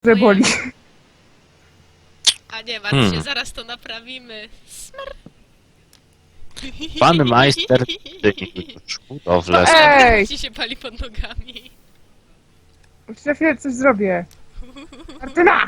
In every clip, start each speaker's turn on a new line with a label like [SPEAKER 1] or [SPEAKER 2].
[SPEAKER 1] że boli.
[SPEAKER 2] A nie martw się, zaraz to naprawimy. Smr.
[SPEAKER 3] Pan majster już budowlę.
[SPEAKER 1] Ej!
[SPEAKER 2] Ci się pali pod nogami.
[SPEAKER 1] Za chwilę coś zrobię. Martyna!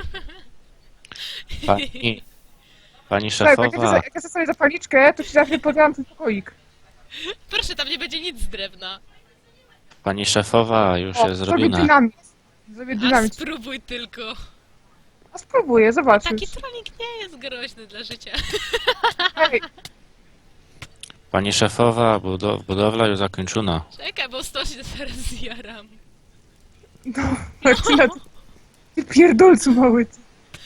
[SPEAKER 3] Pani
[SPEAKER 1] Tak,
[SPEAKER 3] szefowa,
[SPEAKER 1] jak ja sobie zapalniczkę, to ci za chwilę podałam ten pokoik.
[SPEAKER 2] Proszę, tam nie będzie nic z drewna.
[SPEAKER 3] pani szefowa już
[SPEAKER 1] O,
[SPEAKER 3] jest
[SPEAKER 1] zrobię
[SPEAKER 3] zrobiona.
[SPEAKER 1] dynamit. Zrobię
[SPEAKER 2] A
[SPEAKER 1] dynamit.
[SPEAKER 2] spróbuj tylko.
[SPEAKER 1] A spróbuję, zobaczysz.
[SPEAKER 2] Taki trolling nie jest groźny dla życia.
[SPEAKER 1] Ej,
[SPEAKER 3] Pani szefowa, budowla już zakończona.
[SPEAKER 2] Czekaj, bo stąd się teraz zjaram.
[SPEAKER 1] no, Martyna, ty pierdolcu mały. Ty.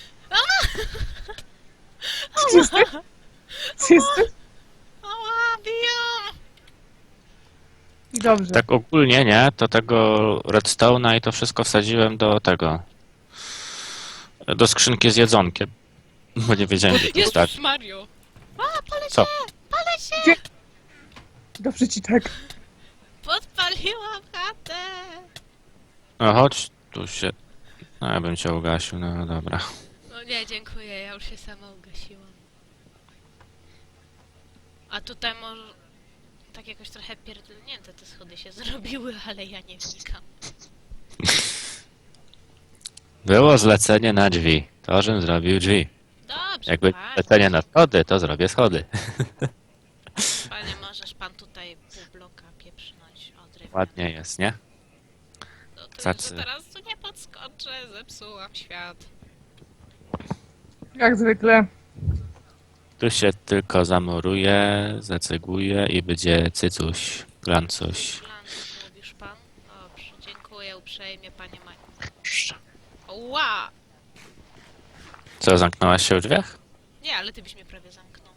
[SPEAKER 1] Gdzie jesteś? Gdzie jesteś?
[SPEAKER 2] Ała, biją!
[SPEAKER 1] I dobrze.
[SPEAKER 3] Tak ogólnie, nie? To tego redstone'a i to wszystko wsadziłem do tego. Do skrzynki z jedzonkiem. Bo nie wiedziałem, gdzie to stać.
[SPEAKER 2] Jezus Mario! A, palę
[SPEAKER 3] Co?
[SPEAKER 2] się! Palę się!
[SPEAKER 1] Gdzie? Dobrze ci tak.
[SPEAKER 2] Podpaliłam chatę!
[SPEAKER 3] No chodź, tu się... No ja bym cię ugasił, no dobra.
[SPEAKER 2] No nie, dziękuję, ja już się sama ugasiłam. A tutaj może... Tak jakoś trochę pierdolnięte te schody się zrobiły, ale ja nie wnikam.
[SPEAKER 3] Było zlecenie na drzwi. To, żebym zrobił drzwi.
[SPEAKER 2] Dobrze,
[SPEAKER 3] Jakby
[SPEAKER 2] panie,
[SPEAKER 3] zlecenie na schody, to zrobię schody.
[SPEAKER 2] panie, możesz pan tutaj pół bloka pieprznąć od drewna.
[SPEAKER 3] Ładnie jest, nie?
[SPEAKER 2] No tylko,
[SPEAKER 3] Cacy.
[SPEAKER 2] że teraz tu nie podskoczę, zepsułam świat.
[SPEAKER 1] Jak zwykle.
[SPEAKER 3] Tu się tylko zamuruje, zaceguje i będzie cycuś, glancuś.
[SPEAKER 2] Glanc, mówisz pan? Dobrze, dziękuję uprzejmie, panie Maj. Ła!
[SPEAKER 3] Co, zamknęłaś się w drzwiach?
[SPEAKER 2] Nie, ale ty byś mnie prawie zamknął.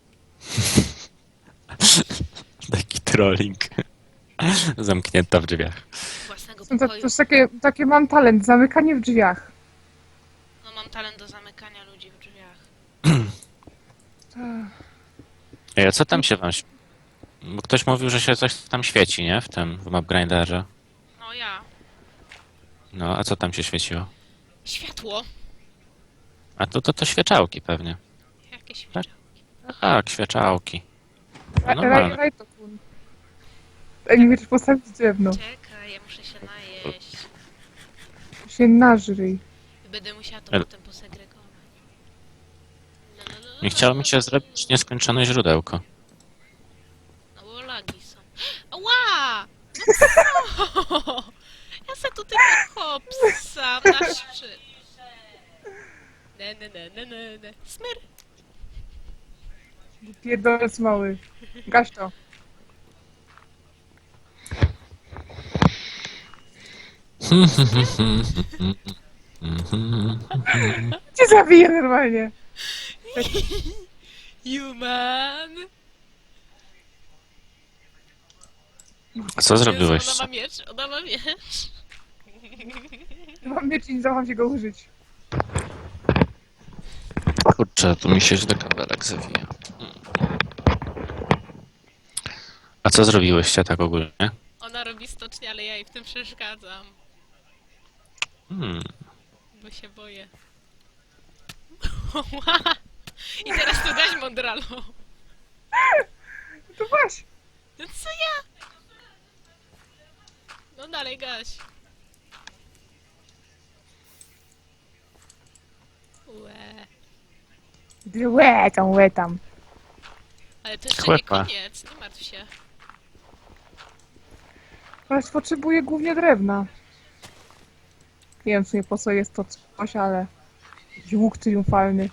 [SPEAKER 3] Taki trolling. Zamknięta w drzwiach.
[SPEAKER 2] Własnego
[SPEAKER 1] To
[SPEAKER 2] pokoju.
[SPEAKER 1] jest takie mam talent, zamykanie w drzwiach.
[SPEAKER 2] No mam talent do zamykania ludzi w drzwiach.
[SPEAKER 3] Ej, a co tam się wam... Bo ktoś mówił, że się coś tam świeci, nie? W tym, w mapgrinderze.
[SPEAKER 2] No ja.
[SPEAKER 3] No, a co tam się świeciło?
[SPEAKER 2] Światło!
[SPEAKER 3] A to świeczałki pewnie.
[SPEAKER 2] Jakie światło.
[SPEAKER 3] Tak, świeczałki. No, normalne.
[SPEAKER 1] Rajtokun. Ej, nie wiesz postawić drewno.
[SPEAKER 2] Czekaj, ja muszę się najeść.
[SPEAKER 1] Się nażryj.
[SPEAKER 2] I będę musiała to
[SPEAKER 3] Ale-
[SPEAKER 2] potem posegregować.
[SPEAKER 3] Nie chciało mi się zrobić nieskończone źródełko.
[SPEAKER 2] No bo lagi są. Ła! No co? Ja se tu tylko hopsam na szczyt. Ne. Smyr!
[SPEAKER 1] Pierdolec mały. Gaś to. Cię zabiję normalnie.
[SPEAKER 2] Human!
[SPEAKER 3] A co zrobiłeś?
[SPEAKER 2] Jezu, ona ma miecz.
[SPEAKER 1] Mam miecz i nie zdołam się go użyć.
[SPEAKER 3] Kurczę, tu mi się źle kabelek zawija. A co zrobiłyście tak ogólnie?
[SPEAKER 2] Ona robi stocznie, ale ja jej w tym przeszkadzam. Bo się boję. I teraz tu gaś mądralo.
[SPEAKER 1] To właśnie.
[SPEAKER 2] No co ja? No dalej gaś. Łe.
[SPEAKER 1] Łe tam.
[SPEAKER 2] Ale to jeszcze
[SPEAKER 3] Chłepa.
[SPEAKER 2] nie koniec, nie martw się.
[SPEAKER 1] Teraz potrzebuję głównie drewna. Nie wiem w sumie po co jest to coś, ale... Jakiś łuk triumfalny.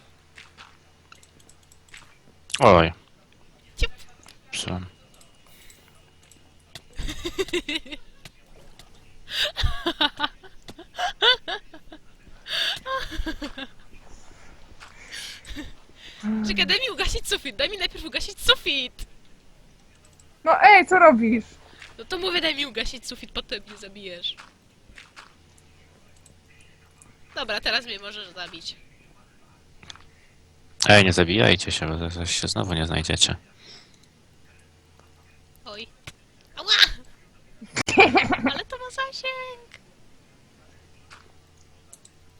[SPEAKER 3] Oj.
[SPEAKER 2] Ciup.
[SPEAKER 3] Psułem.
[SPEAKER 2] Czekaj, daj mi ugasić sufit, daj mi najpierw ugasić sufit!
[SPEAKER 1] No ej, co robisz?
[SPEAKER 2] No to mówię, daj mi ugasić sufit, potem mnie zabijesz. Dobra, teraz mnie możesz zabić.
[SPEAKER 3] Ej, nie zabijajcie się, bo zaraz się znowu nie znajdziecie.
[SPEAKER 2] Oj. Ała! Ale to ma zasięg!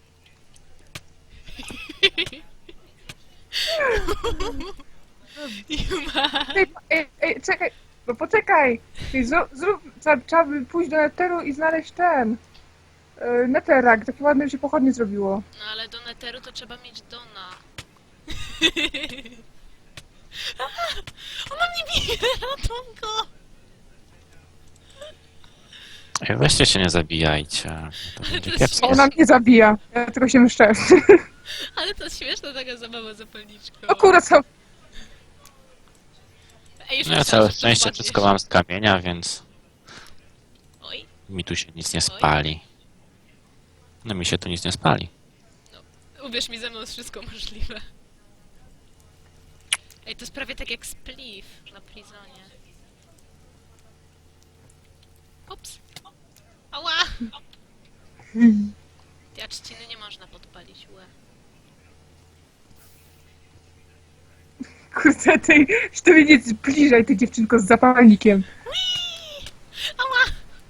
[SPEAKER 2] Juma.
[SPEAKER 1] Ej, czekaj, no poczekaj. Ej, trzeba by pójść do Netheru i znaleźć ten. Netherak, takie ładne się pochodnie zrobiło.
[SPEAKER 2] No ale do Netheru to trzeba mieć Dona. Ona mnie bije, ratunku!
[SPEAKER 3] Ej, weźcie się nie zabijajcie. To będzie
[SPEAKER 2] To
[SPEAKER 3] kiepskie.
[SPEAKER 1] Ona mnie zabija, ja tylko się myszczę.
[SPEAKER 2] Ale to śmieszna taka zabawa zapalniczką.
[SPEAKER 1] O kurwa, co?
[SPEAKER 2] Ej, już
[SPEAKER 3] No ja
[SPEAKER 2] myślałam,
[SPEAKER 3] całe
[SPEAKER 2] że
[SPEAKER 3] szczęście
[SPEAKER 2] przepadniesz.
[SPEAKER 3] wszystko mam z kamienia, więc
[SPEAKER 2] Oj,
[SPEAKER 3] mi tu się nic nie spali. No mi się tu nic nie spali.
[SPEAKER 2] uwierz mi, ze mną jest wszystko możliwe. Ej, to jest prawie tak jak Spliff na Prizonie. Ups. Ała! Ja trzciny nie można podpalić, łe.
[SPEAKER 1] Kurde, ty mnie nie zbliżaj, ty dziewczynko z zapalnikiem.
[SPEAKER 2] Ała!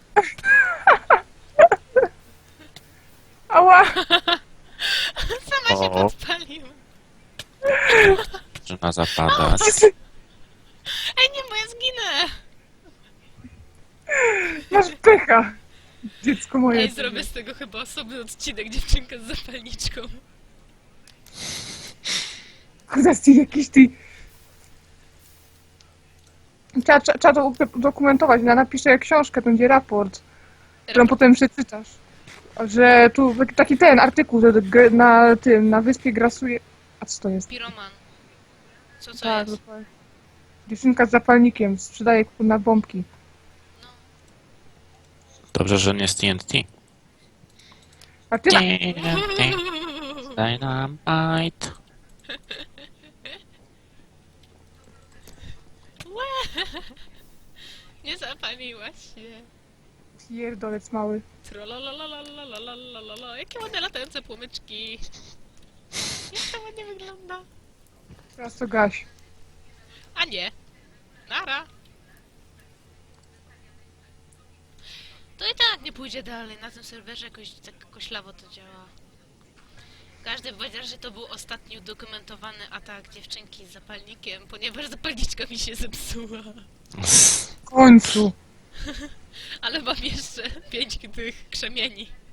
[SPEAKER 1] Ała!
[SPEAKER 2] Sama się
[SPEAKER 3] O.
[SPEAKER 2] podpaliła.
[SPEAKER 3] Zaczyna zapadać.
[SPEAKER 2] Ej, nie, bo ja zginę!
[SPEAKER 1] Masz pecha. Dziecko moje.
[SPEAKER 2] Ej, zrobię z tego chyba osobny odcinek, dziewczynka z zapalniczką.
[SPEAKER 1] Kurde, ty jakiś ty... Trzeba to udokumentować. Ja napiszę książkę, to będzie raport, którą potem przeczytasz. Że tu taki ten artykuł, że na wyspie grasuje... A co to jest?
[SPEAKER 2] Piroman. Co
[SPEAKER 1] Tak,
[SPEAKER 2] jest?
[SPEAKER 1] dokładnie. Dziewczynka z zapalnikiem sprzedaje na bombki.
[SPEAKER 2] No.
[SPEAKER 3] Dobrze, że nie z TNT.
[SPEAKER 1] A ty...
[SPEAKER 3] Dynamite.
[SPEAKER 2] Łe! Nie zapaliłaś się.
[SPEAKER 1] Pierdolec mały.
[SPEAKER 2] Trololololololololololo. Jakie ładne latające płomyczki. Jak to ładnie wygląda.
[SPEAKER 1] Teraz to gaś.
[SPEAKER 2] A nie. Nara. To i tak nie pójdzie dalej. Na tym serwerze jakoś tak koślawo to działa. Każdy powiedział, że to był ostatni udokumentowany atak dziewczynki z zapalnikiem, ponieważ zapalniczka mi się zepsuła.
[SPEAKER 1] W końcu.
[SPEAKER 2] Ale mam jeszcze 5 tych krzemieni.